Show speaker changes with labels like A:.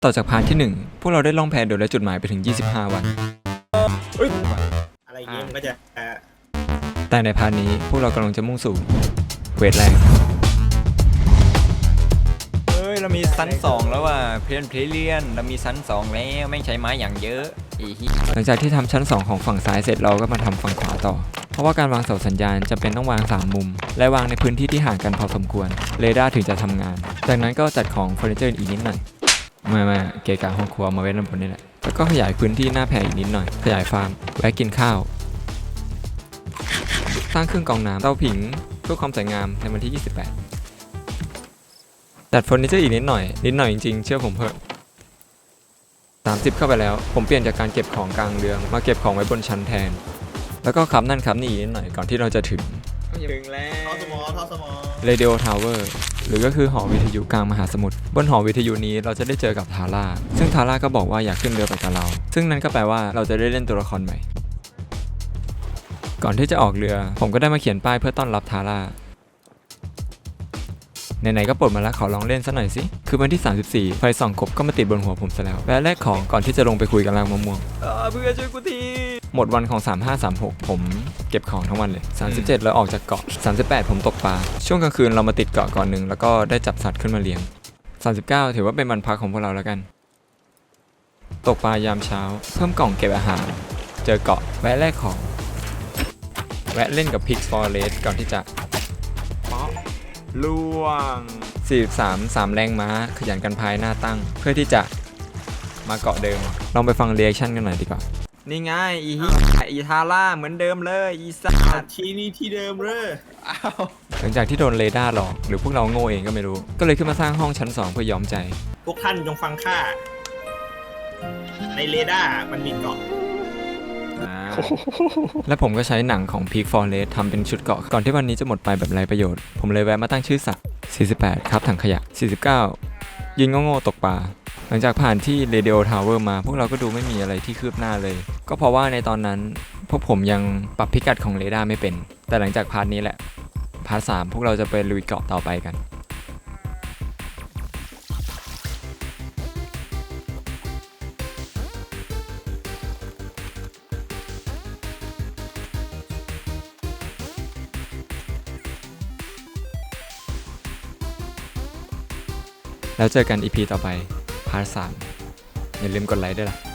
A: ต่อจากพาร์ทที่1พวกเราได้ล่องแพโดยไร้จุดหมายไปถึง25วัน
B: อะไรอย่างเงี้ยมันก็จะ
A: แต่ในพาร์ทนี้พวกเรากำลังจะมุ่งสู่เควสแรกเรามีซัน2แล้วว่ะเพื่อนเพลเลียนเรามีซัน2แล้วแม่งใช้ไม้อย่างเยอะหลังจากที่ทำชั้น2ของฝั่งซ้ายเสร็จเราก็มาทำฝั่งขวาต่อเพราะว่าการวางเสาสัญญาณจำเป็นต้องวาง3มุมและวางในพื้นที่ที่ห่างกันพอสมควรเรดาร์ถึงจะทำงานจากนั้นก็จัดของเฟอร์นิเจอร์อีกนิดหน่อยมาเกะกะห้องครัวมาไว้ด้านบนนี่แหละแล้วก็ขยายพื้นที่หน้าแพอีกนิดหน่อยขยายฟาร์มแวะกินข้าวสร้างเครื่องกรองน้ำเตาผิงเพื่อความสวยงามในวันที่28จัดเฟอร์นิเจอร์อีกนิดหน่อยจริงๆเชื่อผมเพิ่ม30เข้าไปแล้วผมเปลี่ยนจากการเก็บของกลางเรืองมาเก็บของไว้บนชั้นแทนแล้วก็ครับนั่นครับนี่นิดหน่อยก่อนที่เราจะถึง
B: แล้วท่อสมอ
A: Radio Tower หรือก็คือหอวิทยุกลางมหาสมุทรบนหอวิทยุนี้เราจะได้เจอกับทาร่าซึ่งทาร่าก็บอกว่าอยากขึ้นเรือไปกับเราซึ่งนั่นก็แปลว่าเราจะได้เล่นตัวละครใหม่ก่อนที่จะออกเรือผมก็ได้มาเขียนป้ายเพื่อต้อนรับทาร่าไหนๆก็ปลดมาแล้วขอลองเล่นซะหน่อยสิคือวันที่34ไฟส่องกบก็มาติดบนหัวผมซะแล้วแวะแลกของก่อนที่จะลงไปคุยกับรางมะม่วงเพื่อช่วยกูทีหมดวันของ3536ผมเก็บของทั้งวันเลย37แล้วออกจากเกาะ38ผมตกปลาช่วงกลางคืนเรามาติดเกาะก่อนหนึ่งแล้วก็ได้จับสัตว์ขึ้นมาเลี้ยง39ถือว่าเป็นวันพักของพวกเราแล้วกันตกปลายามเช้าเพิ่มกล่องเก็บอาหารเจอเกาะแวะแลกของแวะเล่นกับพิกซ์ฟอเรสก่อนที่จะล่วง43 3แรงม้าขยันกันพายหน้าตั้งเพื่อที่จะมาเกาะเดิมลองไปฟังเรีแอคชั่นกันหน่อยดีกว่านี่ไงอีทาร่าเหมือนเดิมเลยอีสัตว์
B: ที่นี่ที่เดิมเลย
A: หลังจากที่โดนเรดาร์หลอกหรือพวกเราโง่เองก็ไม่รู้ก็เลยขึ้นมาสร้างห้องชั้น2เพื่อยอมใจ
B: พวกท่านจงฟังข้าในเรดาร์มันมีเกาะ
A: และผมก็ใช้หนังของ Peak Forest ทำเป็นชุดเกาะก่อนที่วันนี้จะหมดไปแบบไร้ประโยชน์ผมเลยแวะมาตั้งชื่อสัตว์48ครับถังขยะ49ยิงโง่ๆตกปลาหลังจากผ่านที่ Radio Tower มาพวกเราก็ดูไม่มีอะไรที่คืบหน้าเลยก็เพราะว่าในตอนนั้นพวกผมยังปรับพิกัดของเรดาร์ไม่เป็นแต่หลังจากพาร์ทนี้แหละพาร์ท3พวกเราจะไปลุยเกาะต่อไปกันแล้วเจอกัน EP ต่อไปพาร์ท3อย่าลืมกดไลค์ด้วยล่ะ